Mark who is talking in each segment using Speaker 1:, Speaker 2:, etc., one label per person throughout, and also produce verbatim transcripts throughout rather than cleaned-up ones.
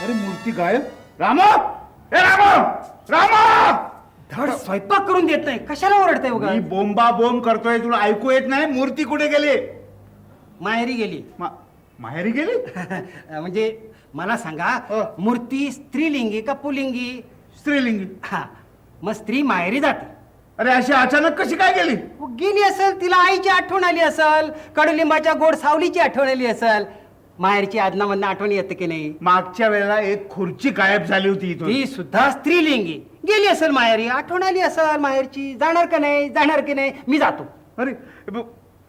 Speaker 1: अरे मूर्ती गायब. रामा, ए रामा, रामा.
Speaker 2: धड स्वयंपाक करून देत नाही, कशाला ओरडताय उगा?
Speaker 1: मी बोंबा बोंब करतोय, तुला ऐकू येत नाही? मूर्ती कुठे गेली?
Speaker 2: माहेरी गेली.
Speaker 1: मा- माहेरी गेली?
Speaker 2: म्हणजे मला सांगा,
Speaker 1: हो.
Speaker 2: मूर्ती स्त्रीलिंगी का पुलिंगी?
Speaker 1: स्त्रीलिंगी.
Speaker 2: हा, मग स्त्री माहेरी जाते.
Speaker 1: अरे अशी अचानक कशी काय गेली?
Speaker 2: व गेली असेल, तिला आईची आठवण आली असेल, कडुलिंबाच्या गोड सावलीची आठवण आली असेल. माहेरची आदनामधनं आठवण येते की नाही?
Speaker 1: मागच्या वेळेला एक खुर्ची गायब झाली होती इथून.
Speaker 2: ती सुद्धा स्त्रीलिंगी. गेली असेल माहेरी, आठवण आली असेल माहेरची. जाणार का नाही, जाणार की नाही? मी जातो.
Speaker 1: अरे ब-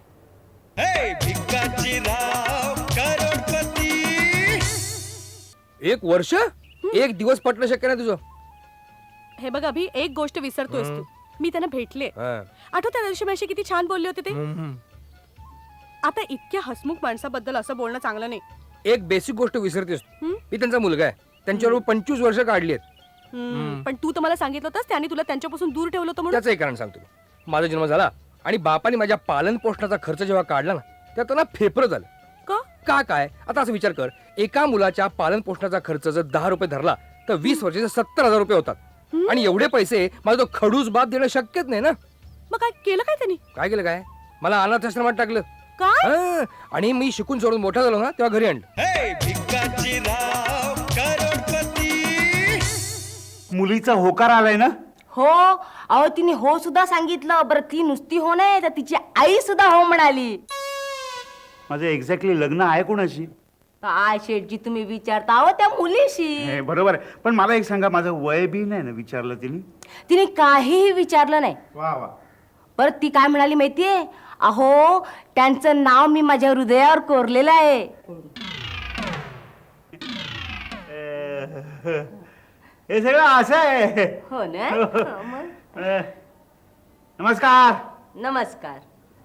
Speaker 3: एक वर्ष एक दिवस पटणं शक्य नाही तुझं.
Speaker 4: हे बघ अभि, एक गोष्ट विसरतोयस तू. मी त्यांना भेटले. आठवत त्या दिवशी माझी किती छान बोलले होते ते. आता इतक्या हसमुख माणसाबद्दल असं बोलणं चांगलं नाही.
Speaker 3: एक बेसिक गोष्ट विसरतेस तू.
Speaker 4: हं?
Speaker 3: मी त्यांचा मुलगा आहे, त्यांच्याबरोबर पंचवीस वर्ष काढली आहेत.
Speaker 4: हम्म, पण तू तर मला सांगितलं होतंस त्याने तुला त्यांच्यापासून दूर ठेवलं होतं म्हणून.
Speaker 3: त्याचं एक कारण सांगतो. माझा जन्म झाला आणि बापाने माझ्या पालन पोषणाचा खर्च जेव्हा काढला ना, तेव्हा त्यांना फेफरं झालं.
Speaker 4: का?
Speaker 3: का काय? आता असं विचार कर, एका मुलाच्या पालन पोषणाचा खर्च जर दहा रुपये धरला तर वीस वर्षाचे सत्तर हजार रुपये होतात. आणि एवढे पैसे माझा तो खडूस बाप देणं शक्यच नाही ना.
Speaker 4: मग काय केलं काय त्यांनी?
Speaker 3: काय केलं काय? मला अनाथाश्रमात टाकलं.
Speaker 4: काय?
Speaker 3: हा, आणि मी शिकून सोडून मोठा झालो ना, तेव्हा घरी आणलं.
Speaker 1: मुलीचा होकार आलाय ना?
Speaker 5: हो, अहो तिने हो सुद्धा सांगितलं. बरं ती नुसती हो नाही तर तिची आई सुद्धा हो म्हणाली.
Speaker 1: माझं एक्झॅक्टली लग्न आहे कोणाशी?
Speaker 5: काय शेठजी तुम्ही विचारता अहो त्या मुलीशी.
Speaker 1: हे बरोबर आहे, पण मला एक सांगा, माझं वय बी नाही ना विचारलं तिने?
Speaker 5: तिने काहीही विचारलं नाही.
Speaker 1: वा वा.
Speaker 5: परत ती काय म्हणाली माहितीये? अहो त्यांचं नाव मी माझ्या हृदयावर कोरलेलं आहे.
Speaker 1: हे सगळं असं आहे.
Speaker 5: हो ना? हो, मग.
Speaker 1: अ, नमस्कार.
Speaker 5: नमस्कार.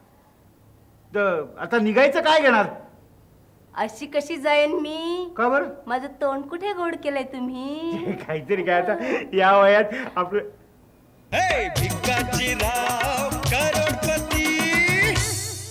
Speaker 1: द- आता निघायचं काय घेणार?
Speaker 5: अशी कशी जाईन मी?
Speaker 1: का बरं?
Speaker 5: माझं तोंड कुठे गोड केलंय तुम्ही?
Speaker 1: काहीतरी काय आता या वयात आपलं.
Speaker 6: भिकाजी राव करोडपती